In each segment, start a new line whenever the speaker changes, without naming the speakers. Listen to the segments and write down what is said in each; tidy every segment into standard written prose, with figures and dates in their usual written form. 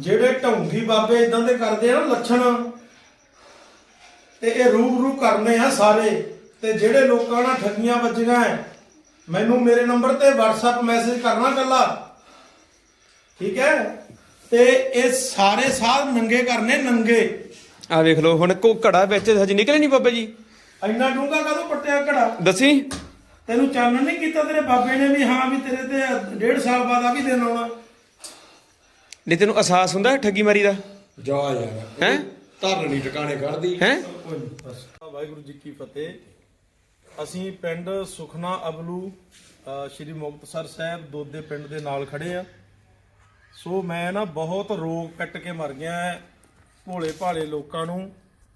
ਜਿਹੜੇ ਢੌਂਗੀ ਬਾਬੇ ਇਦਾਂ ਦੇ ਕਰਦੇ ਆ ਨਾ ਲੱਛਣ, ਤੇ ਇਹ ਰੂਬਰੂ ਕਰਨੇ ਆ ਸਾਰੇ। ਤੇ ਜਿਹੜੇ ਲੋਕਾਂ ਨਾਲ ਠੱਗੀਆਂ ਵੱਜੀਆਂ ਐ, ਮੈਨੂੰ ਮੇਰੇ ਨੰਬਰ ਤੇ WhatsApp ਮੈਸੇਜ ਕਰਨਾ ਕੱਲਾ, ਠੀਕ ਹੈ। ਤੇ ਇਹ ਸਾਰੇ ਸਾਧ ਨੰਗੇ ਕਰਨੇ, ਨੰਗੇ।
ਆ ਵੇਖ ਲਓ ਹੁਣ ਕੋ ਘੜਾ ਵਿੱਚ ਹਜੇ ਨਿਕਲੇ ਨਹੀਂ ਬਾਬਾ ਜੀ।
ਇੰਨਾ ਡੂੰਘਾ ਕਦੋਂ ਪੱਟਿਆ ਘੜਾ?
ਦੱਸੀ
ਤੈਨੂੰ ਚਾਨਣ ਨਹੀਂ ਕੀਤਾ ਤੇਰੇ ਬਾਬੇ ਨੇ ਵੀ ਹਾਂ ਵੀ ਤੇਰੇ ਤੇ 1.5 ਸਾਲ ਬਾਅਦ ਆ ਵੀ ਦਿਨ ਆਉਣਾ?
ਨਹੀਂ ਤੈਨੂੰ ਅਹਿਸਾਸ ਹੁੰਦਾ ਠੱਗੀ ਮਾਰੀ ਦਾ?
ਜਾ ਯਾਰ
ਹੈ
ਧਰਨੀ ਟਿਕਾਣੇ ਕੱਢਦੀ
ਹੈ।
ਵਾਹਿਗੁਰੂ ਜੀ ਕੀ ਫਤਿਹ। ਅਸੀਂ ਪਿੰਡ ਸੁਖਨਾ ਅਬਲੂ ਸ਼੍ਰੀ ਮੁਕਤਸਰ ਸਾਹਿਬ ਦੋਦੇ ਪਿੰਡ ਦੇ ਨਾਲ ਖੜੇ ਆ। ਸੋ ਮੈਂ ਨਾ ਬਹੁਤ ਰੋਗ ਕੱਟ ਕੇ ਮਰ ਗਿਆ ਭੋਲੇ ਭਾਲੇ ਲੋਕਾਂ ਨੂੰ।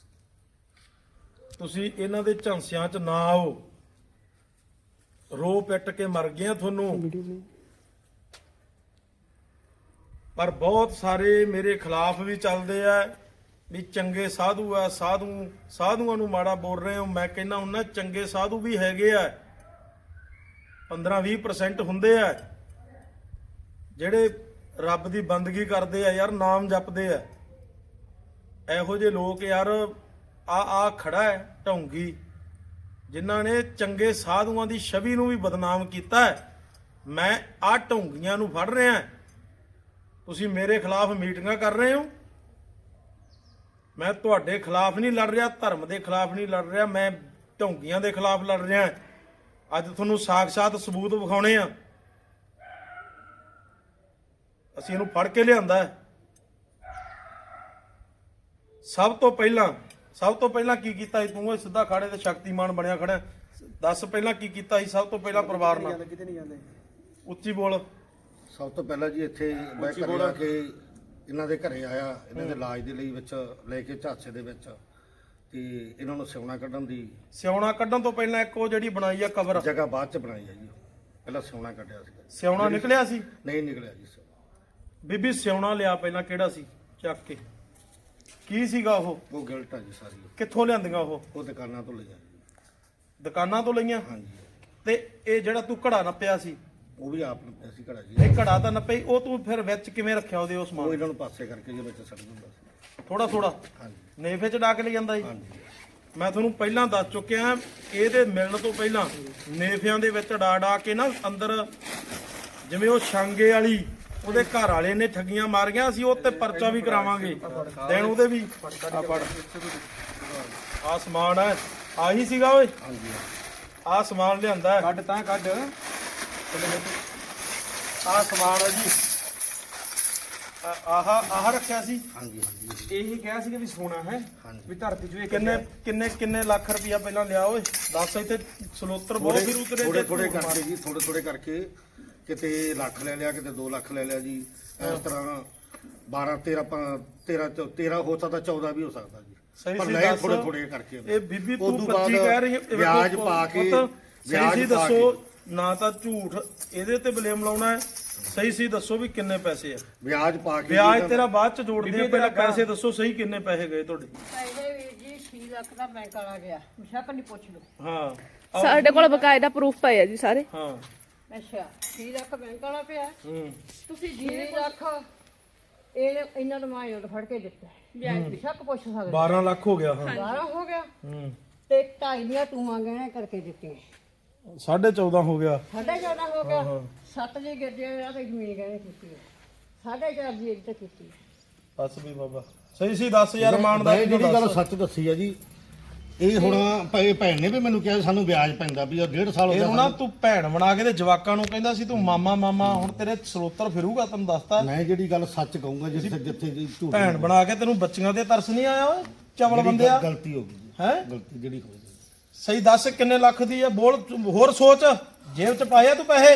ਤੁਸੀਂ ਇਹਨਾਂ ਦੇ ਝਾਂਸਿਆਂ 'ਚ ਨਾ ਆਓ, ਰੋ ਪਿੱਟ ਕੇ ਮਰ ਗਿਆ ਤੁਹਾਨੂੰ। ਪਰ ਬਹੁਤ ਸਾਰੇ ਮੇਰੇ ਖਿਲਾਫ ਵੀ ਚੱਲਦੇ ਆ ਵੀ ਚੰਗੇ ਸਾਧੂ ਆ, ਸਾਧੂਆਂ ਨੂੰ ਮਾੜਾ ਬੋਲ ਰਹੇ ਹੋ। ਮੈਂ ਕਹਿੰਦਾ ਉਹਨਾਂ ਚੰਗੇ ਸਾਧੂ ਵੀ ਹੈਗੇ ਆ, 15-20% ਹੁੰਦੇ ਆ ਜਿਹੜੇ ਰੱਬ ਦੀ ਬੰਦਗੀ ਕਰਦੇ ਆ ਯਾਰ, ਨਾਮ ਜਪਦੇ ਆ। ਇਹੋ ਜਿਹੇ ਲੋਕ ਯਾਰ ਆ ਖੜਾ ਹੈ ਢੌਂਗੀ, ਜਿਨ੍ਹਾਂ ਨੇ ਚੰਗੇ ਸਾਧੂਆਂ ਦੀ ਛਵੀ ਨੂੰ ਵੀ ਬਦਨਾਮ ਕੀਤਾ ਹੈ। ਮੈਂ ਆ ਢੌਂਗੀਆਂ ਨੂੰ ਫੜ ਰਿਹਾ। ਤੁਸੀਂ ਮੇਰੇ ਖਿਲਾਫ ਮੀਟਿੰਗਾਂ ਕਰ ਰਹੇ ਹੋ। ਮੈਂ ਤੁਹਾਡੇ ਖਿਲਾਫ ਨਹੀਂ ਲੜ ਰਿਹਾ, ਧਰਮ ਦੇ ਖਿਲਾਫ ਨਹੀਂ ਲੜ ਰਿਹਾ, ਮੈਂ ਢੌਂਗੀਆਂ ਦੇ ਖਿਲਾਫ ਲੜ ਰਿਹਾ। ਅੱਜ ਤੁਹਾਨੂੰ ਸਾਖਸ਼ਾਤ ਸਬੂਤ ਵਿਖਾਉਣੇ ਆ। ਅਸੀਂ ਇਹਨੂੰ ਫੜ ਕੇ ਲਿਆਂਦਾ ਹੈ। ਸਭ ਤੋਂ ਪਹਿਲਾਂ ਕੀ ਕੀਤਾ ਸੀ ਤੂੰ? ਸਿੱਧਾ ਖਾੜੇ ਤੇ ਸ਼ਕਤੀਮਾਨ ਬਣਿਆ ਖੜਾ। ਦੱਸ ਪਹਿਲਾਂ ਕੀ ਕੀਤਾ ਸੀ ਸਭ ਤੋਂ ਪਹਿਲਾਂ ਪਰਿਵਾਰ ਨਾਲ? ਉੱਚੀ ਬੋਲ।
ਸਭ ਤੋਂ ਪਹਿਲਾਂ ਜੀ ਇੱਥੇ ਮੈਂ ਘਰੇ ਆ ਕੇ ਇਹਨਾਂ ਦੇ ਘਰੇ ਆਇਆ, ਇਹਨਾਂ ਦੇ ਇਲਾਜ ਦੇ ਲਈ ਵਿੱਚ ਲੈ ਕੇ ਝਾਂਸੇ ਦੇ ਵਿੱਚ, ਤੇ ਇਹਨਾਂ ਨੂੰ ਸਿਉਣਾ ਕੱਢਣ ਤੋਂ ਪਹਿਲਾਂ ਇੱਕ ਉਹ ਜਿਹੜੀ ਬਣਾਈ ਆ ਕਬਰ, ਜਗ੍ਹਾ ਬਾਅਦ ਚ ਬਣਾਈ ਆ ਜੀ। ਪਹਿਲਾਂ ਸਿਉਣਾ ਕੱਢਿਆ ਸੀ।
ਸਿਉਣਾ ਨਿਕਲਿਆ ਸੀ?
ਨਹੀਂ ਨਿਕਲਿਆ ਜੀ ਸਿਉਣਾ।
ਬੀਬੀ ਸਿਉਣਾ ਲਿਆ ਪਹਿਲਾਂ, ਕਿਹੜਾ ਸੀ? ਚੱਕ ਕੇ ਕੀ ਸੀਗਾ ਉਹ?
ਉਹ ਗਿਲਟ ਆ ਜੀ ਸਾਰੀ।
ਕਿੱਥੋਂ ਲਿਆਂਦੀਆਂ ਉਹ?
ਦੁਕਾਨਾਂ ਤੋਂ ਲਈਆਂ ਜੀ।
ਦੁਕਾਨਾਂ ਤੋਂ ਲਈਆਂ?
ਹਾਂਜੀ।
ਤੇ ਇਹ ਜਿਹੜਾ ਤੂੰ ਘੜਾ ਨੱਪਿਆ ਸੀ,
ਉਹ ਵੀ ਆਪ ਨੱਪਿਆ ਸੀ ਘੜਾ ਜੀ।
ਇਹ ਘੜਾ ਤਾਂ ਨੱਪੇ, ਉਹ ਤੂੰ ਫਿਰ ਵਿੱਚ ਕਿਵੇਂ ਰੱਖਿਆ ਉਹਦੇ? ਉਸ
ਉਹ
ਸਮਾਨ
ਇਹਨਾਂ ਨੂੰ ਪਾਸੇ ਕਰਕੇ ਜੀ ਵਿੱਚ ਸੱਟ ਦਿੰਦਾ ਸੀ
ਥੋੜਾ।
ਹਾਂਜੀ
ਨੇਫੇ ਚ ਡਾਕ ਲੈ ਜਾਂਦਾ ਜੀ।
ਹਾਂਜੀ।
ਮੈਂ ਤੁਹਾਨੂੰ ਪਹਿਲਾਂ ਦੱਸ ਚੁੱਕਿਆ, ਇਹਦੇ ਮਿਲਣ ਤੋਂ ਪਹਿਲਾਂ ਨੇਫਿਆਂ ਦੇ ਵਿੱਚ ਡਾ ਕੇ ਨਾ ਅੰਦਰ, ਜਿਵੇਂ ਉਹ ਛਾਂਗੇ ਵਾਲੀ ਉਹਦੇ ਘਰ ਵਾਲੇ ਨੇ ਠੱਗੀਆਂ ਮਾਰੀਆਂ, ਅਸੀਂ ਉਹ ਤੇ ਪਰਚਾ ਵੀ ਕਰਾਵਾਂਗੇ ਦੇਣ ਉਹਦੇ ਵੀ। ਆ ਸਮਾਨ ਹੈ, ਆਹੀ ਸੀਗਾ ਓਏ।
ਹਾਂਜੀ।
ਆ ਸਮਾਨ ਲਿਆਂਦਾ,
ਕੱਢ ਤਾਂ ਕੱਢ।
ਆ ਸਮਾਨ ਹੈ ਜੀ। ਆਹ ਰੱਖਿਆ ਸੀ।
ਹਾਂਜੀ ਹਾਂਜੀ।
ਇਹੀ ਕਿਹਾ ਸੀ ਕਿ ਵੀ ਸੋਨਾ ਹੈ ਵੀ ਧਰਤੀ ਚ
ਕਿੰਨੇ ਲੱਖ ਰੁਪਇਆ ਪਹਿਲਾਂ ਲਿਆ ਓਏ? ਦੱਸ। ਇੱਥੇ ਸਲੋਤਰ ਬਹੁਤ ਫਿਰ ਉਤਰੇ।
ਥੋੜੇ ਕਰਕੇ ਜੀ, ਥੋੜੇ ਕਰਕੇ ਕਿਤੇ ਲੱਖ ਲੈ ਲਿਆ, ਕਿਤੇ 2 ਲੱਖ ਲੈ ਲਿਆ ਜੀ। ਇਸ ਤਰ੍ਹਾਂ 12 13 ਹੋ ਸਕਦਾ, 14 ਵੀ ਹੋ ਸਕਦਾ ਜੀ। ਪਰ ਨਹੀਂ, ਥੋੜੇ ਕਰਕੇ।
ਇਹ ਬੀਬੀ ਤੂੰ 25 ਕਹਿ ਰਹੀ ਹੈ,
ਵਿਆਜ ਪਾ ਕੇ।
ਸਹੀ ਦੱਸੋ, ਨਾ ਤਾਂ ਝੂਠ ਇਹਦੇ ਤੇ ਬਲੇਮ ਲਾਉਣਾ ਹੈ। ਸਹੀ ਦੱਸੋ ਵੀ ਕਿੰਨੇ ਪੈਸੇ ਆ?
ਵਿਆਜ ਪਾ ਕੇ।
ਵਿਆਜ ਤੇਰਾ ਬਾਅਦ ਚ ਜੋੜਦੇ ਆ, ਪਹਿਲਾਂ ਪੈਸੇ ਦੱਸੋ ਸਹੀ ਕਿੰਨੇ ਪੈਸੇ ਗਏ ਤੁਹਾਡੇ?
ਪਹਿਲੇ ਵੀਰ ਜੀ 6 ਲੱਖ ਦਾ ਬੈਂਕ ਵਾਲਾ ਗਿਆ, ਸ਼ੱਕ ਨਹੀਂ ਪੁੱਛ ਲਓ।
ਹਾਂ,
ਸਾਡੇ ਕੋਲ ਬਕਾਇਦਾ ਪ੍ਰੂਫ ਪਏ ਆ ਜੀ ਸਾਰੇ।
ਹਾਂ।
ਅੱਛਾ 6 ਲੱਖ ਬੈਂਕ ਵਾਲਾ ਪਿਆ।
ਤੁਸੀਂ
6 ਲੱਖ ਇਹ ਇਹਨਾਂ ਨੂੰ ਮੈਂ ਉਡ ਫੜ ਕੇ ਦਿੱਤਾ। ਵਿਆਜ ਵੀ ਸ਼ੱਕ ਪੁੱਛ ਸਕਦੇ।
12 ਲੱਖ ਹੋ ਗਿਆ। ਹਾਂ
12 ਹੋ ਗਿਆ। ਤੇ 2.5 ਦੀਆਂ ਤੂੰ ਗਹਿਣੇ ਕਰਕੇ ਦਿੱਤੀਆਂ।
14.5 ਹੋ ਗਿਆ।
14.5 ਹੋ ਗਿਆ। 7 ਜੀ ਗੱਡੀਆਂ ਆ ਤੇ ਜ਼ਮੀਨ ਗਹਿਣੇ ਕੀਤੀ। 4.5 ਦੀ ਇੱਕ ਤੇ ਕੀਤੀ।
ਬਸ ਵੀ ਬਾਬਾ ਸਹੀ ਦੱਸ ਯਾਰ। ਇਮਾਨਦਾਰੀ
ਮੈਂ ਜਿਹੜੀ ਗੱਲ ਸੱਚ ਦੱਸੀ ਆ ਜੀ। ਇਹ ਹੁਣ ਭੈਣ ਨੇ ਵੀ ਮੈਨੂੰ ਕਿਹਾ ਸਾਨੂੰ ਵਿਆਜ ਪੈਂਦਾ ਵੀ 1.5 ਸਾਲ ਹੋ ਗਿਆ।
ਇਹ ਨਾ ਤੂੰ ਭੈਣ ਬਣਾ ਕੇ ਤੇ ਜਵਾਕਾਂ ਨੂੰ ਕਹਿੰਦਾ ਸੀ ਤੂੰ ਮਾਮਾ। ਹੁਣ ਤੇਰੇ ਸਰੋਤਰ ਫਿਰੂਗਾ, ਤੈਨੂੰ ਦੱਸਤਾ।
ਮੈਂ ਜਿਹੜੀ ਗੱਲ ਸੱਚ ਕਹੂੰਗਾ, ਜਿੱਥੇ ਜੀ ਝੂਠ
ਭੈਣ ਬਣਾ ਕੇ ਤੈਨੂੰ ਬੱਚੀਆਂ ਤੇ ਤਰਸ ਨਹੀਂ ਆਇਆ ਓਏ? ਚਵਲ ਬੰਦਿਆ,
ਗਲਤੀ ਹੋ ਗਈ
ਹੈ।
ਗਲਤੀ ਜਿਹੜੀ ਹੋਈ।
ਸਹੀ ਦੱਸ ਕਿੰਨੇ ਲੱਖ ਦੀ ਆ? ਬੋਲ। ਹੋਰ ਸੋਚ, ਜੇਬ ਚ ਪਾਇਆ ਤੂੰ ਪੈਸੇ?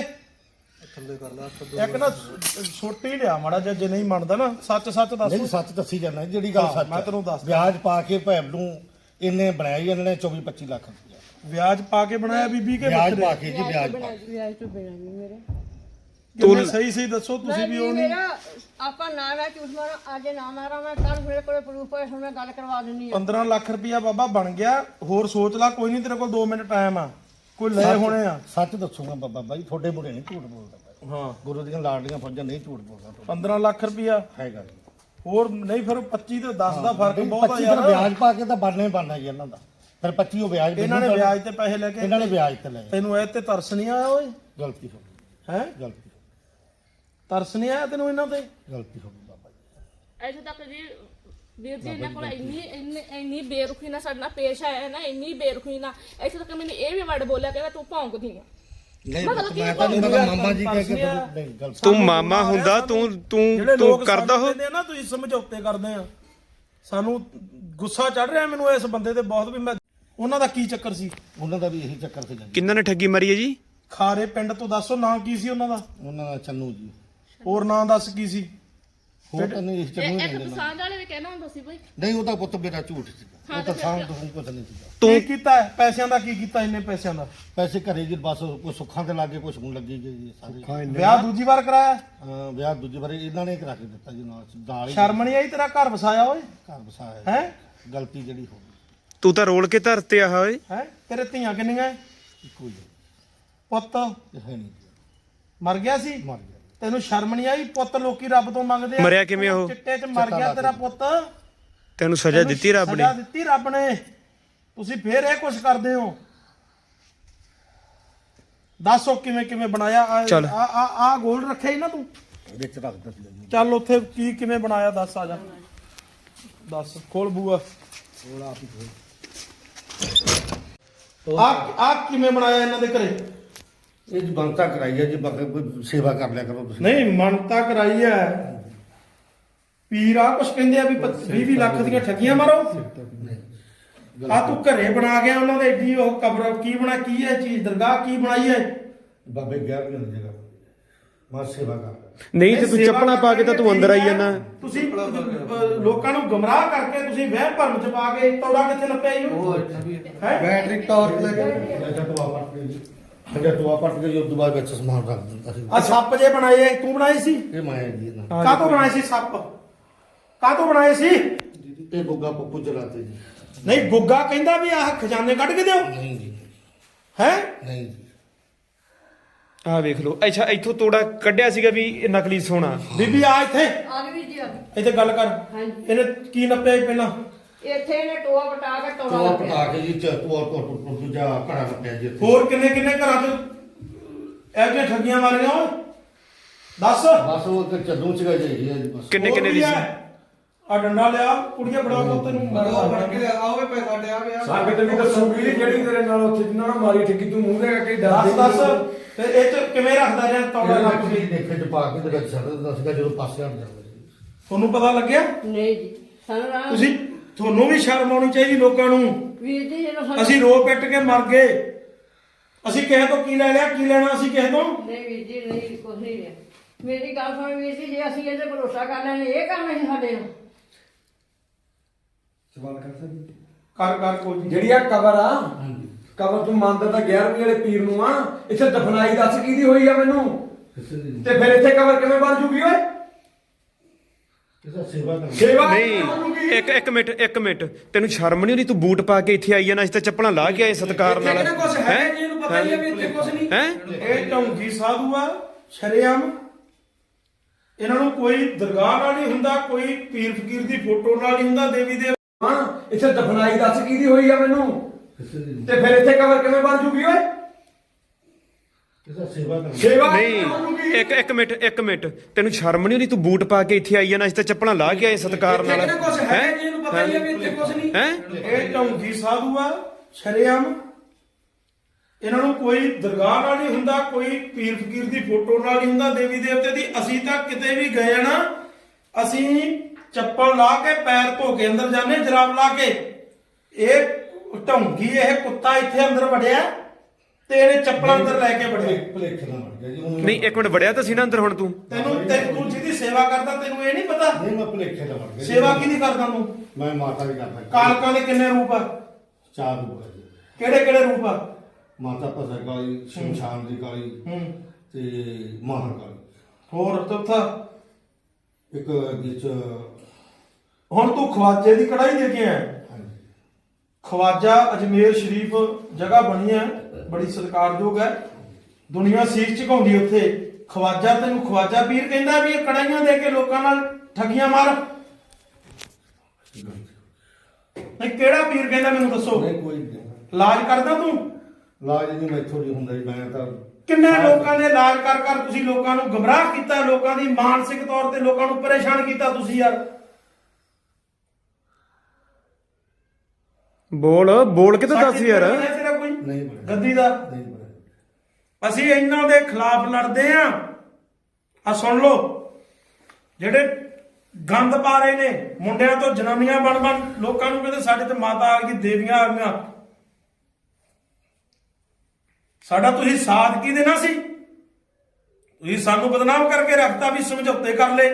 ਇੱਕ ਨਾ ਛੋਟੀ ਲਿਆ ਮਾੜਾ ਜਿਹਾ, ਜੇ ਨਹੀਂ ਮੰਨਦਾ ਨਾ ਸੱਚ ਦੱਸ।
ਨਹੀਂ ਸੱਚ ਦੱਸੀ ਜਾਂਦਾ ਜਿਹੜੀ ਗੱਲ ਸੱਚ।
ਮੈਂ ਤੈਨੂੰ ਦੱਸ,
ਵਿਆਜ ਪਾ ਕੇ ਭੈਣ ਨੂੰ ਇਹਨੇ ਬਣਾਇਆ ਜੀ, ਇਹਨਾਂ ਨੇ 24-25 ਲੱਖ ਰੁਪਇਆ
ਵਿਆਜ ਪਾ ਕੇ ਬਣਾਇਆ ਬੀਬੀ ਕੇ?
ਵਿਆਜ ਪਾ ਕੇ ਜੀ, ਵਿਆਜ ਪਾ ਕੇ।
ਵਿਆਜ ਤੋਂ ਬਿਨਾਂ ਨਹੀਂ ਮੇਰੇ।
ਤੂੰ ਸਹੀ ਦੱਸੋ, ਤੁਸੀਂ ਵੀ ਉਹ ਨਹੀਂ।
ਮੇਰਾ ਆਪਾਂ ਨਾ ਮੈਂ ਝੂਠ ਮਾਰਾਂ, ਅੱਜ ਨਾ ਮਾਰਾਂ ਮੈਂ, ਕੱਲ ਮੇਰੇ ਕੋਲ ਪ੍ਰੂਫ ਹੈ, ਹੁਣ ਮੈਂ ਗੱਲ ਕਰਵਾ ਦਿੰਨੀ ਆ।
15 ਲੱਖ ਰੁਪਇਆ ਬਾਬਾ ਬਣ ਗਿਆ। ਹੋਰ ਸੋਚ ਲੈ, ਕੋਈ ਨਹੀਂ, ਤੇਰੇ ਕੋਲ 2 ਮਿੰਟ ਟਾਈਮ ਆ। ਕੋਈ ਲੈ ਹੋਣੇ ਆ।
ਸੱਚ ਦੱਸੂਗਾ ਬਾਬਾ ਬਾਈ, ਤੁਹਾਡੇ ਮੁੰਡੇ ਨਹੀਂ ਝੂਠ ਬੋਲਦਾ।
ਹਾਂ,
ਗੁਰੂ ਦੀਆਂ ਲਾਡਲੀਆਂ ਫੌਜਾਂ ਨਹੀਂ ਝੂਠ ਬੋਲਦਾ।
15 ਲੱਖ ਰੁਪਇਆ
ਹੈਗਾ ਜੀ।
ਹੋਰ ਨਹੀਂ ਫਿਰ 25 ਤੇ 10 ਦਾ ਫਰਕ ਬਹੁਤ ਆ
25
ਯਾਰ।
ਫਿਰ ਵਿਆਜ ਪਾ ਕੇ ਤਾਂ ਬਣਨਾ ਹੀ ਬਣਨਾ ਜੀ ਇਹਨਾਂ ਦਾ। ਫਿਰ 25 ਉਹ ਵਿਆਜ
ਇਹਨਾਂ ਨੇ ਵਿਆਜ ਤੇ ਪੈਸੇ ਲੈ ਕੇ
ਇਹਨਾਂ ਨੇ ਵਿਆਜ ਤੇ ਲਏ।
ਤੈਨੂੰ ਇਹ ਤੇ ਤਰਸ ਨਹੀਂ ਆਇਆ ਓਏ?
ਗਲਤੀ ਹੋ ਗਈ,
ਹੈ
ਗਲਤੀ ਹੋ
ਤਰਸ ਨਹੀਂ ਆਇਆ ਤੈਨੂੰ ਇਹਨਾਂ ਤੇ?
ਗਈ, ਗਲਤੀ ਹੋ ਗਈ ਬਾਬਾ ਜੀ।
ਇੱਥੇ ਤੱਕ ਜੀ ਵੀਰ ਜੀ ਇਹਨਾਂ ਕੋਲ ਇੰਨੀ ਬੇਰੁਖੀ ਨਾਲ ਸਾਡੇ ਨਾਲ ਪੇਸ਼ ਆਇਆ ਨਾ, ਇੰਨੀ ਬੇਰੁਖੀ ਨਾਲ ਇੱਥੇ ਤੱਕ ਮੈਨੂੰ ਇਹ ਵੀ ਵਰਡ ਬੋਲਿਆ ਕਹਿੰਦਾ ਤੂੰ ਭੌਂਕਦੀ ਆ।
ਨਹੀਂ
ਮਤਲਬ ਕੀ
ਮੈਂ ਤਾਂ ਨਹੀਂ ਪਤਾ ਮਾਮਾ ਜੀ ਕਹਿ ਕੇ ਨਹੀਂ ਗਲਤੀ।
ਤੂੰ ਮਾਮਾ ਹੁੰਦਾ
ਜਿਹੜੇ
ਤੂੰ
ਲੋਕ
ਕਰਦਾ
ਸਾਨੂੰ
ਹੋ
ਕਹਿੰਦੇ ਆ ਨਾ ਤੁਸੀਂ ਸਮਝੌਤੇ ਕਰਦੇ ਆ, ਸਾਨੂੰ ਗੁੱਸਾ ਚੜ ਰਿਹਾ ਮੈਨੂੰ ਇਸ ਬੰਦੇ ਤੇ ਬਹੁਤ ਵੀ। ਮੈਂ ਉਹਨਾਂ ਦਾ ਕੀ ਚੱਕਰ ਸੀ?
ਉਹਨਾਂ ਦਾ ਵੀ ਇਹੀ ਚੱਕਰ ਸੀ ਜੀ।
ਕਿੰਨਾਂ ਨੇ ਠੱਗੀ ਮਾਰੀ ਹੈ ਜੀ?
ਖਾਰੇ ਪਿੰਡ ਤੋਂ ਦੱਸੋ ਨਾਂ ਕੀ ਸੀ ਉਹਨਾਂ ਦਾ?
ਉਹਨਾਂ ਦਾ ਚੰਨੂ ਜੀ।
ਹੋਰ ਨਾਂ ਦੱਸ ਕੀ ਸੀ?
ਹੋਰ ਤਾਂ ਨਹੀਂ ਇਸ ਚੰਨੂ ਹੀ
ਇੱਕ
ਕਹਿੰਦੇ ਨਾ।
ਪਸੰਦ ਵਾਲੇ ਵੀ ਕਹਿਣਾ ਹੁੰਦਾ ਸੀ ਬਈ
ਨਹੀਂ ਉਹਦਾ ਪੁੱਤ ਮੇਰਾ ਝੂਠ ਸੀਗਾ। ਉਹ ਤਾਂ ਸਾਂਭ ਤੋਂ ਕੁਝ ਨਹੀਂ ਸੀਗਾ।
ਕੀ ਕੀਤਾ ਹੈ? ਪੈਸਿਆਂ ਦਾ ਕੀ ਕੀਤਾ? ਇੰਨੇ ਪੈਸਿਆਂ ਦਾ
ਪੈਸੇ ਘਰੇ ਜੀ ਬਸ ਕੋਈ ਸੁੱਖਾਂ ਤੇ ਲੱਗੇ ਕੁਝ ਹੁਣ ਲੱਗੀ ਗਈ ਜੀ ਸਾਰੇ।
ਵਿਆਹ ਦੂਜੀ ਵਾਰ ਕਰਾਇਆ?
ਵਿਆਹ ਦੂਜੀ ਵਾਰੀ ਇਹਨਾਂ ਨੇ ਕਰਾ ਕੇ ਦਿੱਤਾ ਜੀ ਨਾਲ ਹੀ
ਸ਼ਰਮ ਨਹੀਂ ਆਈ? ਤੇਰਾ ਘਰ ਵਸਾਇਆ ਓਏ?
ਘਰ ਵਸਾਇਆ
ਹੈ
ਗਲਤੀ ਜਿਹੜੀ ਹੋ ਗਈ।
ਤੂੰ ਤਾਂ ਰੋਲ ਕੇ ਧਰਤੇ ਆ ਓਏ।
ਹੈ ਤੇਰੇ ਧੀਆਂ ਕਿੰਨੀਆਂ?
ਇੱਕੋ ਹੀ ਹੈ,
ਪੁੱਤ
ਇਹ ਹੈ ਨਹੀਂ ਜੀ,
ਮਰ ਗਿਆ ਸੀ?
ਮਰ ਗਿਆ।
ਤੈਨੂੰ ਸ਼ਰਮ ਨਹੀਂ ਆਈ? ਪੁੱਤ ਲੋਕੀ ਰੱਬ ਤੋਂ ਮੰਗਦੇ ਆ।
ਮਰਿਆ ਕਿਵੇਂ ਉਹ?
ਚਿੱਟੇ 'ਚ ਮਰ ਗਿਆ ਤੇਰਾ ਪੁੱਤ।
ਤੈਨੂੰ ਸਜ਼ਾ ਦਿੱਤੀ ਰੱਬ ਨੇ?
ਸਜ਼ਾ ਦਿੱਤੀ ਰੱਬ ਨੇ। ਤੁਸੀਂ ਫੇਰ ਇਹ ਕੁਛ ਕਰਦੇ ਹੋ? ਦੱਸੋ ਕਿਵੇਂ ਕਿਵੇਂ ਬਣਾਇਆ?
ਚੱਲ।
ਆ ਗੋਲ ਰੱਖਿਆ ਹੀ ਨਾ ਤੂੰ?
ਵਿੱਚ ਰੱਖ ਦਿੱਤੀ ਜੀ।
ਚੱਲ ਉੱਥੇ ਕੀ ਕਿਵੇਂ ਬਣਾਇਆ ਦੱਸ, ਆ ਜਾ ਦੱਸ। ਖੋਲ ਬੂਆ। ਆ ਕਿਵੇਂ ਬਣਾਇਆ ਇਹਨਾਂ ਦੇ ਘਰੇ?
ਇਹ ਜੀ ਬੰਤਾ ਕਰਾਈ ਹੈ ਜੀ, ਬਾਕੀ ਕੋਈ ਸੇਵਾ ਕਰ ਲਿਆ ਕਰੋ ਤੁਸੀਂ।
ਨਹੀਂ ਮੰਨਤਾ ਕਰਾਈ ਐ। ਪੀਰ ਆ ਕੁਛ ਕਹਿੰਦੇ ਆ ਵੀ 20 ਲੱਖ ਦੀਆਂ ਠੱਗੀਆਂ ਮਾਰੋ। ਆ ਤੂੰ ਘਰੇ ਬਣਾ ਗਿਆ ਉਹਨਾਂ ਦੇ ਏਡੀ ਉਹ ਕਬਰ ਕੀ ਬਣਾ? ਕੀ ਹੈ ਚੀਜ਼? ਦਰਗਾਹ ਕੀ ਬਣਾਈ ਹੈ?
ਬਾਬੇ 11ਵੀਂ ਦੀ ਜਗ੍ਹਾ ਮੈਂ ਸੇਵਾ ਕਰ
ਨਹੀਂ ਤੇ ਤੂੰ ਚੱਪਲਾਂ ਪਾ ਕੇ ਤਾਂ ਤੂੰ ਅੰਦਰ ਆਈ ਜਾਂਦਾ।
ਤੁਸੀਂ ਲੋਕਾਂ ਨੂੰ ਗਮਰਾਹ ਕਰਕੇ ਤੁਸੀਂ ਵਹਿਮ ਭਰਮ ਚ ਪਾ ਕੇ ਤੋੜਾ ਕਿੱਥੇ ਨੱਪਿਆ ਇਹਨੂੰ? ਹੈ
ਬੈਟਰੀ ਟਾਰਚ ਲੈ ਕੇ ਟੋਆ ਪੱਟ ਕੇ ਜੀ। ਟੋਆ ਪੱਟ ਕੇ ਜੀ ਉਸ ਤੋਂ ਬਾਅਦ ਵਿੱਚ ਸਮਾਨ ਰੱਖ ਦਿੰਦਾ ਸੀ।
ਆ ਸੱਪ ਜੇ ਬਣਾਏ ਐ, ਤੂੰ ਬਣਾਏ ਸੀ?
ਇਹ ਮਾਇਆ ਜੀ ਇਹਨਾਂ
ਕਾਹਤੋਂ ਬਣਾਏ ਸੀ ਸੱਪ? ਕਾਹਤੋਂ ਬਣਾਏ ਸੀ?
ਇਹ ਗੁੱਗਾ ਪੱਪੂ ਚਲਾਤੇ ਜੀ।
ਨਹੀਂ ਗੁੱਗਾ ਕਹਿੰਦਾ ਵੀ ਆਹ ਖਜ਼ਾਨੇ ਕੱਢ ਕੇ ਦਿਓ।
ਨਹੀਂ ਜੀ,
ਹੈ
ਨਹੀਂ ਜੀ।
ਆਹ ਵੇਖ ਲਓ। ਅੱਛਾ ਇੱਥੋਂ ਤੋੜਾ ਕੱਢਿਆ ਸੀਗਾ ਵੀ ਇਹ ਨਕਲੀ ਸੋਨਾ।
ਬੀਬੀ ਆ ਇੱਥੇ,
ਆ ਗਈ ਜੀ, ਆ ਗਈ।
ਇੱਥੇ ਗੱਲ ਕਰ।
ਹਾਂਜੀ।
ਇਹਨੇ ਕੀ ਨੱਪਿਆ ਸੀ ਪਹਿਲਾਂ?
ਇੱਥੇ ਇਹਨੇ ਟੋਆ ਪਟਾ ਕੇ ਟੋੜਾ
ਟੋਆ
ਲੱਭਿਆ।
ਪਟਾ ਕੇ ਜੀ ਟੋਆ ਤੋਂ ਦੂਜਾ ਘੜਾ ਰੱਖਿਆ ਜੀ ਇੱਥੇ।
ਹੋਰ ਕਿੰਨੇ ਕਿੰਨੇ ਘਰਾਂ 'ਚ ਇਹੋ ਜਿਹੀਆਂ ਠੱਗੀਆਂ ਮਾਰੀਆਂ ਓਏ? ਦੱਸ।
ਬਸ ਉਹ ਤੇ ਚੱਦੂ ਚ ਗਏ ਜੀ ਇਹ ਬਸ।
ਕਿੰਨੇ ਕਿੰਨੇ ਦੀ ਸੀ?
ਆ ਡੰਡਾ ਲਿਆ, ਕੁੜੀਆਂ ਫੜਾ ਕੇ ਤੈਨੂੰ
ਸੰਗਤ ਵੀ ਦੱਸੂਗੀ ਜਿਹੜੀ ਤੇਰੇ ਨਾਲ ਉੱਥੇ ਜਿੰਨਾਂ ਨਾਲ ਮਾਰੀ ਠੱਗੀ ਤੂੰ ਮੂੰਹ ਦੇ ਕੇ
ਦੱਸ ਦੱਸ। ਫਿਰ ਇਹ 'ਚ ਕਿਵੇਂ ਰੱਖਦਾ ਰਿਹਾ ਤੌੜਾ
ਇਹਨਾਂ
ਰੱਖ
ਨੂੰ
ਕੇ?
ਦੇਖੇ ਚ ਪਾ ਕੇ ਤੇ ਵਿੱਚ ਛੱਡ ਦਿੰਦਾ ਸੀਗਾ ਜਦੋਂ ਪਾਸੇ ਹਟ ਜਾਂਦਾ ਸੀ।
ਤੁਹਾਨੂੰ ਪਤਾ ਲੱਗਿਆ?
ਨਹੀਂ ਜੀ, ਸਾਨੂੰ ਰਾਮ
ਤੁਹਾਨੂੰ ਵੀ ਸ਼ਰਮ ਆਉਣੀ ਚਾਹੀਦੀ ਲੋਕਾਂ ਨੂੰ।
ਵੀਰ ਜੀ ਜਦੋਂ ਸਾਨੂੰ
ਅਸੀਂ ਰੋ ਪਿੱਟ ਕੇ ਮਰ ਗਏ। ਅਸੀਂ ਕਿਸੇ ਤੋਂ ਕੀ ਲੈ ਲਿਆ? ਕੀ ਲੈਣਾ ਅਸੀਂ ਕਿਸੇ ਤੋਂ?
ਨਹੀਂ ਵੀਰ ਜੀ, ਨਹੀਂ ਕੁਛ ਨਹੀਂ ਹੈ। ਮੇਰੀ ਗੱਲ ਸੁਣ ਵੀਰ ਜੀ, ਜੇ ਅਸੀਂ ਇਹਦੇ ਭਰੋਸਾ ਕਰ ਲੈਣੇ ਇਹ ਕੰਮ ਨਹੀਂ ਸਾਡੇ ਨੂੰ।
ਸਵਾਲ ਕਰ ਸਕਦੀ
ਕਰ ਕੋਈ ਨਹੀਂ।
ਜਿਹੜੀ ਆ ਕਬਰ ਆ, ਕਬਰ ਤੂੰ ਮੰਨਦਾ ਤਾਂ 11ਵੀਂ ਵਾਲੇ ਪੀਰ ਨੂੰ ਆ। ਇੱਥੇ ਦਫਨਾਈ ਦੱਸ ਕਿਹਦੀ ਹੋਈ ਆ ਮੈਨੂੰ?
ਕਿਸੇ ਦੀ
ਤੇ ਫਿਰ ਇੱਥੇ ਕਬਰ ਕਿਵੇਂ ਬਣ ਜੂਗੀ ਓਏ?
ਕਿਸੇ ਸੇਵਾ ਕਰ
ਸੇਵਾ
ਨਹੀਂ ਇੱਕ ਮਿੰਟ ਤੈਨੂੰ ਸ਼ਰਮ ਨਹੀਂ ਆਉਂਦੀ? ਤੂੰ ਬੂਟ ਪਾ ਕੇ ਇੱਥੇ ਆਈ ਜਾਂਦਾ। ਅਸੀਂ ਤਾਂ ਚੱਪਲਾਂ ਲਾ ਕੇ ਆਏ ਸਤਿਕਾਰ ਨਾਲ।
ਇੱਥੇ ਕੁਝ ਹੈ ਜੀ, ਇਹਨੂੰ ਪਤਾ ਹੀ ਆ ਵੀ ਇੱਥੇ ਕੁਝ ਨਹੀਂ।
ਹੈ
ਇਹ ਢੌਂਗੀ ਸਾਧੂ ਆ ਸ਼ਰੇਆਮ। ਇਹਨਾਂ ਨੂੰ ਕੋਈ ਦਰਗਾਹ ਨਾਲ ਨਹੀਂ ਹੁੰਦਾ, ਕੋਈ ਪੀਰ ਫਕੀਰ ਦੀ ਫੋਟੋ ਨਾਲ ਨਹੀਂ ਹੁੰਦਾ, ਦੇਵੀ ਦੇ।
ਹਾਂ, ਇੱਥੇ ਦਫਨਾਈ ਦੱਸ ਕਿਹਦੀ ਹੋਈ ਆ ਮੈਨੂੰ?
ਕਿਸੇ ਦੀ
ਤੇ ਫਿਰ ਇੱਥੇ ਕਬਰ ਕਿਵੇਂ ਬਣ ਜੂਗੀ ਓਏ?
ਕਿਸੇ ਸੇਵਾ ਕਰ
ਸੇਵਾ
ਨਹੀਂ ਇੱਕ ਮਿੰਟ ਤੈਨੂੰ ਸ਼ਰਮ ਨਹੀਂ ਆਉਂਦੀ? ਤੂੰ ਬੂਟ ਪਾ ਕੇ ਇੱਥੇ ਆਈ ਜਾਂਦਾ। ਅਸੀਂ ਤਾਂ ਚੱਪਲਾਂ ਲਾ ਕੇ ਆਏ ਸਤਿਕਾਰ ਨਾਲ।
ਇੱਥੇ ਕੁਝ ਹੈ ਜੀ, ਇਹਨੂੰ ਪਤਾ ਹੀ ਆ ਵੀ ਇੱਥੇ ਕੁਝ ਨਹੀਂ।
ਹੈ
ਇਹ ਢੌਂਗੀ ਸਾਧੂ ਆ ਸ਼ਰੇਆਮ। ਇਹਨਾਂ ਨੂੰ ਕੋਈ ਦਰਗਾਹ ਨਾਲ ਨਹੀਂ ਹੁੰਦਾ, ਕੋਈ ਪੀਰ ਫਕੀਰ ਦੀ ਫੋਟੋ ਨਾਲ ਨਹੀਂ ਹੁੰਦਾ, ਦੇਵੀ ਦੇਵਤੇ ਦੀ। ਅਸੀਂ ਤਾਂ ਕਿਤੇ ਵੀ ਗਏ ਆ ਨਾ, ਅਸੀਂ ਚੱਪਲ ਲਾ ਕੇ ਪੈਰ ਧੋ ਕੇ ਅੰਦਰ ਜਾਂਦੇ, ਜਰਾਬ ਲਾ ਕੇ। ਇਹ ਢੌਂਗੀ, ਇਹ ਕੁੱਤਾ ਇੱਥੇ ਅੰਦਰ ਵੜਿਆ ਤੇ ਇਹਨੇ ਚੱਪਲਾਂ ਅੰਦਰ ਲੈ ਕੇ ਵੜਿਆ।
ਭਲੇਖੇ ਨਾਲ ਮਰ ਗਿਆ ਜੀ ਉਹਨੂੰ।
ਨਹੀਂ ਇੱਕ ਮਿੰਟ ਵੜਿਆ ਤਾਂ ਸੀ ਨਾ ਅੰਦਰ। ਹੁਣ ਤੂੰ
ਤੂੰ ਜਿਹਦੀ ਸੇਵਾ ਕਰਦਾ ਤੈਨੂੰ ਇਹ ਨਹੀਂ ਪਤਾ?
ਨਹੀਂ ਮੈਂ ਭਲੇਖੇ ਨਾਲ ਮਰ ਗਿਆ ਜੀ।
ਸੇਵਾ ਕਿਹਦੀ ਕਰਦਾ ਤੂੰ?
ਮੈਂ ਮਾਤਾ ਦੀ ਕਰਦਾ।
ਕਾਲਕਾਂ ਦੇ ਕਿੰਨੇ ਰੂਪ ਆ?
4 ਰੂਪ ਹੈ ਜੀ।
ਕਿਹੜੇ ਕਿਹੜੇ ਰੂਪ ਆ?
ਮਾਤਾ ਭਸਰ ਕਾਲੀ, ਸ਼ਮਸ਼ਾਨ ਦੀ ਕਾਲੀ
ਹੂੰ।
ਤੇ ਮਾਹਰ ਕਾਲੀ।
ਹੋਰ ਚੌਥਾ?
ਇੱਕ ਵਿੱਚ
ਹੁਣ ਤੂੰ ਖਵਾਜੇ ਦੀ ਕੜਾਈ ਦੇ ਕੇ ਆਇਆ।
ਹਾਂਜੀ
ਖਵਾਜਾ ਅਜਮੇਰ ਸ਼ਰੀਫ ਜਗ੍ਹਾ ਬਣੀ ਹੈ, ਬੜੀ ਸਤਿਕਾਰਯੋਗ ਹੈ। ਦੁਨੀਆ ਸੀਖ ਝੁਕਾਉਂਦੀ ਉੱਥੇ। ਖਵਾਜਾ ਤੈਨੂੰ ਖਵਾਜਾ ਪੀਰ ਕਹਿੰਦਾ ਵੀ ਇਹ ਕੜਾਈਆਂ ਦੇ ਕੇ ਲੋਕਾਂ ਨਾਲ ਠੱਗੀਆਂ ਮਾਰ। ਨਹੀਂ ਕਿਹੜਾ ਪੀਰ ਕਹਿੰਦਾ ਮੈਨੂੰ ਦੱਸੋ
ਨਹੀਂ ਕੋਈ ਨਹੀਂ
ਇਲਾਜ ਕਰਦਾ ਤੂੰ
ਇਲਾਜ ਨਹੀਂ ਮੈਥੋਂ ਨਹੀਂ ਹੁੰਦਾ ਜੀ ਮੈਂ ਤਾਂ
ਕਿੰਨੇ ਲੋਕਾਂ ਦੇ ਇਲਾਜ ਕਰ ਕਰ ਤੁਸੀਂ ਲੋਕਾਂ ਨੂੰ ਗਮਰਾਹ ਕੀਤਾ ਲੋਕਾਂ ਦੀ ਮਾਨਸਿਕ ਤੌਰ ਤੇ ਲੋਕਾਂ ਨੂੰ ਪਰੇਸ਼ਾਨ ਕੀਤਾ ਤੁਸੀਂ ਯਾਰ
ਬੋਲ ਕੇ ਤਾਂ ਦੱਸ ਯਾਰ।
ਸਾਡੀ ਤੇਰਾ ਕੋਈ
ਨਹੀਂ ਬਣਿਆ।
ਗੱਦੀ ਦਾ
ਨਹੀਂ ਬਣਿਆ।
ਅਸੀਂ ਇਹਨਾਂ ਦੇ ਖਿਲਾਫ ਲੜਦੇ ਆ ਆ ਸੁਣ ਲਓ ਜਿਹੜੇ ਗੰਦ ਪਾ ਰਹੇ ਨੇ ਮੁੰਡਿਆਂ ਤੋਂ ਜਨਾਨੀਆਂ ਬਣ ਲੋਕਾਂ ਨੂੰ ਕਹਿੰਦੇ ਸਾਡੇ ਤੇ ਮਾਤਾ ਆ ਗਈ ਦੇਵੀਆਂ ਆ ਗਈਆਂ ਸਾਡਾ ਤੁਸੀਂ ਸਾਥ ਕੀ ਦੇਣਾ ਸੀ ਤੁਸੀਂ ਸਾਨੂੰ ਬਦਨਾਮ ਕਰਕੇ ਰੱਖਤਾ ਵੀ ਸਮਝੌਤੇ ਕਰ ਲਏ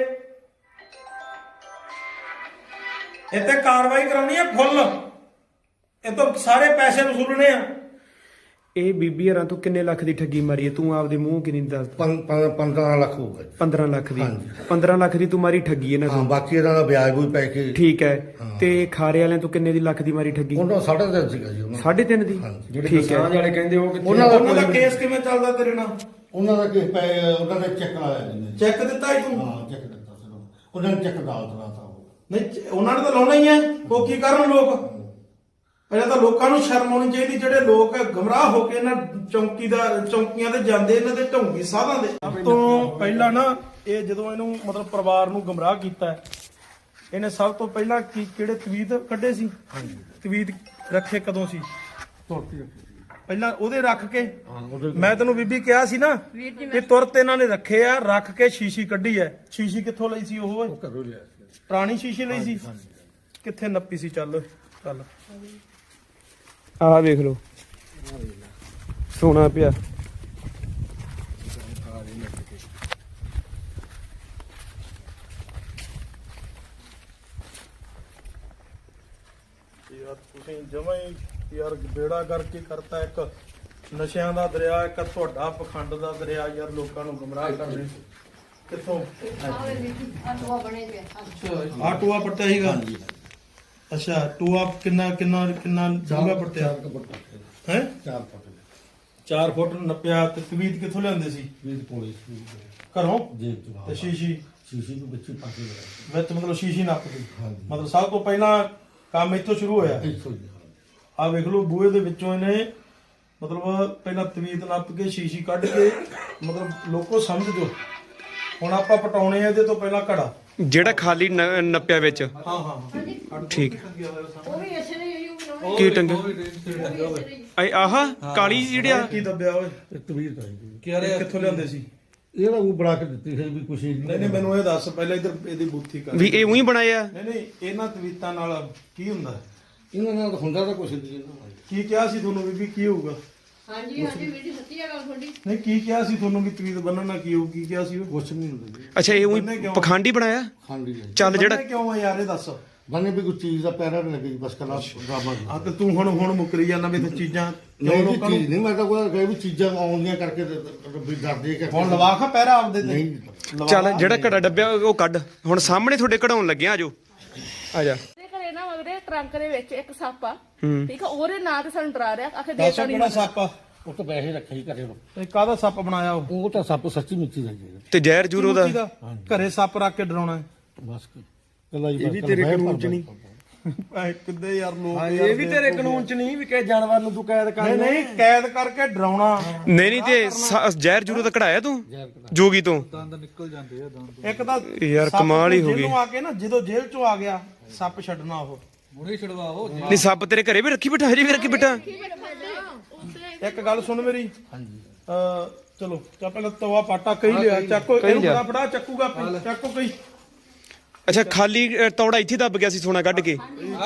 ਇੱਥੇ ਕਾਰਵਾਈ ਕਰਾਉਣੀ ਹੈ ਫੁੱਲ ਇਹ ਤੋਂ ਸਾਰੇ ਪੈਸੇ ਵਸੂਲਣੇ ਆ
ਇਹ ਬੀਬੀ ਹਰਾਂ ਤੂੰ ਕਿੰਨੇ ਲੱਖ ਦੀ ਠੱਗੀ ਮਾਰੀ ਹੈ ਤੂੰ ਆਪਦੇ ਮੂੰਹ ਕਿੰਨੀ ਦੱਸ
15 ਲੱਖ ਹੋਊਗਾ ਜੀ।
15 ਲੱਖ ਦੀ
ਹਾਂਜੀ।
15 ਲੱਖ ਦੀ ਤੂੰ ਮਾਰੀ ਠੱਗੀ ਇਹਨਾਂ
ਹਾਂ
ਤੋਂ
ਬਾਕੀ ਇਹਨਾਂ ਦਾ ਵਿਆਜ ਵੀ ਪੈ ਕੇ
ਠੀਕ ਹੈ ਤੇ ਖਾਰੇ ਵਾਲਿਆਂ ਤੋਂ ਕਿੰਨੇ ਦੀ ਲੱਖ ਦੀ ਮਾਰੀ ਠੱਗੀ
ਉਹਨਾਂ 3.5 ਸੀਗਾ ਜੀ ਉਹਨਾਂ
3.5 ਦੀ
ਹਾਂਜੀ।
ਜਿਹੜੇ
ਠੀਕ ਹੈ
ਕਿਸਾਨ ਵਾਲੇ ਕਹਿੰਦੇ ਉਹ ਕਿੱਥੇ
ਉਹਨਾਂ ਦਾ ਕੇਸ ਕਿਵੇਂ ਚੱਲਦਾ ਤੇਰੇ ਨਾਲ
ਉਹਨਾਂ ਦਾ ਕਿਸ ਪੈ ਉਹਨਾਂ ਦਾ ਚੈੱਕ ਆਇਆ ਜੀ ਨੇ।
ਚੈੱਕ ਦਿੱਤਾ ਹੀ ਤੂੰ
ਹਾਂ ਚੈੱਕ ਦਿੱਤਾ ਸੀ ਉਹਨਾਂ ਨੇ ਚੈੱਕ ਦਾਲ ਦਲਾਤਾ ਉਹ
ਨਹੀਂ ਉਹਨਾਂ ਨੇ ਤਾਂ ਲਾਉਣਾ ਹੀ ਹੈ ਉਹ ਕੀ ਕਰਨ ਲੋਕ ਪਹਿਲਾਂ ਤਾਂ ਲੋਕਾਂ ਨੂੰ ਸ਼ਰਮ ਆਉਣੀ ਚਾਹੀਦੀ ਜਿਹੜੇ ਲੋਕ ਗਮਰਾਹ ਹੋ ਕੇ ਇਹਨਾਂ ਚੌਂਕੀਆਂ ਤੇ ਜਾਂਦੇ ਇਹਨਾਂ ਦੇ ਢੋਂਗੀ ਸਾਧਾਂ ਦੇ ਸਭ ਤੋਂ ਪਹਿਲਾਂ ਨਾ ਇਹ ਜਦੋਂ ਇਹਨੂੰ ਮਤਲਬ ਪਰਿਵਾਰ ਨੂੰ ਗਮਰਾਹ ਕੀਤਾ ਹੈ, ਇਹਨੇ ਸਭ ਤੋਂ ਪਹਿਲਾਂ ਕਿਹੜੇ ਤਵੀਤ ਕੱਢੇ ਸੀ ਤਵੀਤ ਰੱਖੇ ਕਦੋਂ ਸੀ ਪਹਿਲਾਂ ਉਹਦੇ ਰੱਖ ਕੇ ਮੈਂ ਤੈਨੂੰ ਬੀਬੀ ਕਿਹਾ ਸੀ ਨਾ ਇਹ ਤੁਰਤ ਇਹਨਾਂ ਨੇ ਰੱਖੇ ਆ ਰੱਖ ਕੇ ਸ਼ੀਸ਼ੀ ਕੱਢੀ ਐ ਸ਼ੀਸ਼ੀ ਕਿੱਥੋਂ ਲਈ ਸੀ ਉਹ
ਘਰੋਂ ਲਿਆ
ਪੁਰਾਣੀ ਸ਼ੀਸ਼ੀ ਲਈ ਸੀ ਕਿੱਥੇ ਨੱਪੀ ਸੀ ਚੱਲ
ਆਹ ਵੇਖ ਲਓ ਸੋਨਾ ਪਿਆ
ਯਾਰ ਤੁਸੀਂ ਜਮਾਂ ਹੀ ਯਾਰ ਬੇੜਾ ਕਰਕੇ ਕਰਤਾ ਇੱਕ ਨਸ਼ਿਆਂ ਦਾ ਦਰਿਆ ਇੱਕ ਤੁਹਾਡਾ ਪਖੰਡ ਦਾ ਦਰਿਆ ਯਾਰ ਲੋਕਾਂ ਨੂੰ ਗੁੰਮਰਾਹ ਕਰਦੇ ਕਿੱਥੋਂ ਆ ਟੂਆ ਪੱਟਿਆ ਸੀਗਾ ਅੱਛਾ ਟੂਆ ਕਿੰਨਾ ਡੂੰਘਾ ਪੱਟਿਆ ਹੈ
4 ਫੁੱਟ
4 ਫੁੱਟ ਨੱਪਿਆ ਤੇ ਤਵੀਤ ਕਿੱਥੋਂ ਲਿਆਂਦੇ ਸੀ
ਵੀਰ ਪੋਲੀ
ਘਰੋਂ
ਜੇਬ ਚ
ਤੇ ਸ਼ੀਸ਼ੀ
ਸ਼ੀਸ਼ੀ ਨੂੰ ਬੱਚੀ ਪਾ ਕੇ ਲਗਾਈ
ਵਿੱਚ ਮਤਲਬ ਸ਼ੀਸ਼ੀ ਨੱਪਦੀ
ਹਾਂਜੀ।
ਮਤਲਬ ਸਭ ਤੋਂ ਪਹਿਲਾਂ ਕੰਮ ਇੱਥੋਂ ਸ਼ੁਰੂ ਹੋਇਆ
ਇੱਥੋਂ ਹੀ
ਆ ਵੇਖ ਲਓ ਬੂਹੇ ਦੇ ਵਿੱਚੋਂ ਇਹਨੇ ਮਤਲਬ ਪਹਿਲਾਂ ਤਵੀਤ ਨੱਪ ਕੇ ਸ਼ੀਸ਼ੀ ਕੱਢ ਕੇ ਮਤਲਬ ਲੋਕੋ ਸਮਝ ਜੋ ਹੁਣ ਆਪਾਂ ਪਟਾਉਣੇ ਆ ਇਹਦੇ ਤੋਂ ਪਹਿਲਾਂ ਘੜਾ
ਜਿਹੜਾ ਖਾਲੀ ਨੱਪਿਆ ਵਿੱਚ
ਹਾਂ
ਠੀਕ
ਉਹ ਵੀ ਇਸੇ ਨੇ ਹੀ ਬਣਾਉਣਾ
ਕੀ ਟੰਗੇ ਆਹ ਕਾਲੀ ਜਿਹੜਿਆ
ਕੀ ਦੱਬਿਆ ਓਏ
ਤਵੀਰ ਤਾਂ
ਕਿੱਥੋਂ ਲਿਆਂਦੇ ਸੀ
ਇਹਦਾ ਉਹ ਬਣਾ ਕੇ ਦਿੱਤੀ ਹੈ ਵੀ ਕੁਛ
ਨਹੀਂ ਮੈਨੂੰ ਇਹ ਦੱਸ ਪਹਿਲਾਂ ਇੱਧਰ ਇਹਦੀ ਬੂਥੀ ਕਰ
ਵੀ ਇਹ ਉਹੀ ਬਣਾਇਆ
ਨਹੀਂ ਇਹਨਾਂ ਤਵੀਤਾਂ ਨਾਲ ਕੀ ਹੁੰਦਾ
ਇਹਨਾਂ ਨਾਲ ਹੁੰਦਾ ਤਾਂ ਕੁਛ ਨਹੀਂ ਇਹਨਾਂ
ਕੀ ਕਿਹਾ ਸੀ ਤੁਹਾਨੂੰ ਬੀਬੀ ਕੀ ਹੋਊਗਾ
ਹਾਂਜੀ ਵੀਰ ਜੀ ਸੱਚੀ ਆ ਗੱਲ ਤੁਹਾਡੀ
ਨਹੀਂ ਕੀ ਕਿਹਾ ਸੀ ਤੁਹਾਨੂੰ ਵੀ ਤਵੀਤ ਬੰਨਣ ਨਾਲ ਕੀ ਹੋਊ ਕੀ ਕਿਹਾ ਸੀ ਉਹ
ਕੁਛ ਨਹੀਂ ਹੁੰਦਾ ਜੀ
ਅੱਛਾ ਇਹ ਉਹੀ ਪਖੰਡੀ ਬਣਾਇਆ
ਖਾਂਡੀ ਹੈ
ਚੱਲ ਜਿਹੜਾ
ਬੰਨ੍ਹੇ ਕਿਉਂ ਆ ਯਾਰ ਇਹ ਦੱਸ
ਬੰਨੇ ਵੀ ਕੋਈ ਚੀਜ਼ ਦਾ ਪੈਰਾ ਨਹੀਂ ਲੱਗੀ ਬਸ ਕਲਾ ਡਰਾਮਾ
ਆ ਤੇ ਤੂੰ ਹੁਣ ਮੁਕਰੀ ਜਾਂਦਾ ਵੀ ਤੇ ਚੀਜ਼ਾਂ ਕਿਉਂ
ਨਹੀਂ
ਲੋਕਾਂ ਨੂੰ
ਚੀਜ਼ ਨਹੀਂ ਮੈਂ ਤਾਂ ਕੋਈ ਕਹੇ ਵੀ ਚੀਜ਼ਾਂ ਆਉਂਦੀਆਂ ਕਰਕੇ ਵੀ ਡਰਦੇ ਕਿ
ਹੁਣ ਲਵਾਖਾ ਪਹਿਰਾ ਆਪਦੇ ਤੇ
ਨਹੀਂ
ਲਵਾ
ਚੱਲ
ਲਾ।
ਜਿਹੜਾ ਘੜਾ ਡੱਬਿਆ ਉਹ ਕੱਢ ਹੁਣ ਸਾਹਮਣੇ ਤੁਹਾਡੇ ਕਢਾਉਣ ਲੱਗੇ ਆ ਜੋ ਆ ਜਾ
ਤੇ ਘਰੇ ਨਾ ਉਹਦੇ ਟਰੰਕ ਦੇ ਵਿੱਚ ਇੱਕ ਸੱਪ ਆ
ਹੂੰ।
ਠੀਕ ਆ ਉਹਦੇ ਨਾਂ ਤੇ ਸਾਨੂੰ ਡਰਾ ਰਿਹਾ ਆਖੇ
ਦੱਸ
ਦੇਤਾ ਨਹੀਂ
ਕਿਹੜਾ ਸੱਪ ਆ
ਉਹ ਤਾਂ ਪੈਸੇ ਰੱਖੇ ਹੀ ਘਰੇ ਨੂੰ
ਇਹ ਕਾਹਦਾ ਸੱਪ ਬਣਾਇਆ ਉਹ
ਉਹ ਤਾਂ ਸੱਪ ਸੱਚੀ ਮਿੱਚੀ ਦਾ ਜੀ
ਤੇ ਜ਼ਹਿਰ ਜੂਰੋ ਦਾ
ਕਿਹਦਾ? ਘਰੇ ਸੱਪ ਰੱਖ ਕੇ ਡਰਾਉਣਾ ਹੈ
ਬਸ ਕੱਲਾ ਹੀ
ਇਹ ਵੀ ਤੇਰੇ ਕਾਨੂੰਨ ਚ ਨਹੀਂ
ਐ ਕਿੱਦੇ ਯਾਰ ਲੋਕ
ਇਹ ਵੀ ਤੇਰੇ ਕਾਨੂੰਨ ਚ ਨਹੀਂ ਵੀ ਕਿਸੇ ਜਾਨਵਰ ਨੂੰ ਤੂੰ ਕੈਦ ਕਰ
ਨਹੀਂ ਨਹੀਂ ਕੈਦ ਕਰਕੇ ਡਰਾਉਣਾ
ਨਹੀਂ ਤੇ ਜ਼ਹਿਰ ਜੂਰੋ ਦਾ ਕਢਾਇਆ ਤੂੰ ਜੋਗੀ ਤੋਂ
ਇੱਕ ਤਾਂ
ਯਾਰ
ਸੱਪ
ਕਮਾਲ ਹੀ ਹੋ ਗਈ।
ਜੇਲ੍ਹੋਂ ਆ ਕੇ ਨਾ ਜਦੋਂ ਜੇਲ੍ਹ ਚੋਂ ਆ ਗਿਆ ਸੱਪ ਛੱਡਣਾ ਉਹ
ਨਹੀਂ ਸੱਪ ਤੇਰੇ ਘਰੇ ਵੀ ਰੱਖੀ ਬਿਠਾ ਹਜੇ ਵੀ ਰੱਖੀ ਬਿਠਾ
ਇੱਕ ਗੱਲ ਸੁਣ ਮੇਰੀ ਹਾਂਜੀ ਚਲੋ ਚਾ ਪਹਿਲਾਂ ਤਵਾ ਪਾਟਾ ਕਹੀ ਲਿਆ ਚੱਕੋ ਇਹਨੂੰ
ਲਿਆ।
ਫੜਾ ਚੱਕੂਗਾ ਚੱਕੋ ਕਈ
ਅੱਛਾ ਖਾਲੀ ਤੌੜਾ ਇੱਥੇ ਦੱਬ ਗਿਆ ਸੀ ਸੋਨਾ ਕੱਢ ਕੇ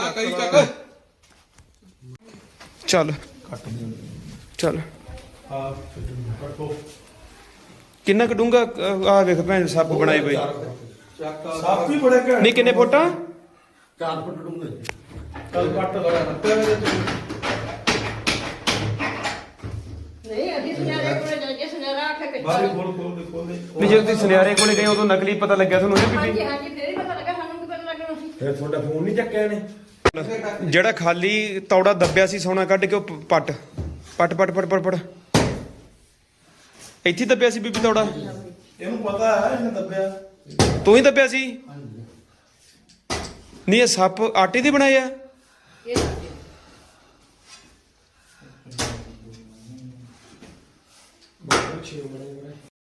ਚੱਲ ਚੱਲ
ਹਾਂ ਕੱਟੋ
ਕਿੰਨਾ ਕਡੂੰਗਾ ਆ ਵੇਖ ਭੈਣ ਸੱਪ ਬਣਾਏ ਬਈ
ਸੱਪ ਵੀ ਬੜੇ ਘੈਂਟ
ਨਹੀਂ ਕਿੰਨੇ ਫੁੱਟਾਂ
4 ਫੁੱਟ ਡੂੰਘੇ
ਚੱਲ ਕੱਟ
ਨਹੀਂ ਅਸੀਂ ਸੁਨਿਆਰੇ ਕੋਲੇ ਜਾ ਕੇ ਸੁਨਿਆਰਾ ਆਖੇ ਕਿ
ਬਾਹਰ ਖੋਲ ਦੇ
ਵੀ ਜਦੋਂ ਤੁਸੀਂ ਸੁਨਿਆਰੇ ਕੋਲੇ ਗਏ ਉਦੋਂ ਨਕਲੀ ਪਤਾ ਲੱਗਿਆ ਤੁਹਾਨੂੰ ਨਾ
ਹਾਂਜੀ
ਬੀਬੀ
ਹਾਂਜੀ ਫੇਰ ਹੀ ਪਤਾ ਲੱਗਾ ਸਾਨੂੰ ਕੀ ਪਤਾ ਲੱਗਣਾ ਸੀ
ਫਿਰ ਤੁਹਾਡਾ ਫੋਨ ਨਹੀਂ ਚੱਕਿਆ ਇਹਨੇ
ਜਿਹੜਾ ਖਾਲੀ ਤੌੜਾ ਦੱਬਿਆ ਸੀ ਸੋਨਾ ਕੱਢ ਕੇ ਉਹ ਪੱਟ ਇੱਥੇ ਦੱਬਿਆ ਸੀ ਬੀਬੀ ਤੌੜਾ
ਇਹਨੂੰ ਪਤਾ ਹੈ ਇਹਨੇ ਦੱਬਿਆ
ਤੂੰ ਹੀ ਦੱਬਿਆ ਸੀ ਨਹੀਂ ਇਹ ਸੱਪ ਆਟੇ ਦੇ ਬਣਾਏ ਆ?
ਇਹ ਸਾਡੇ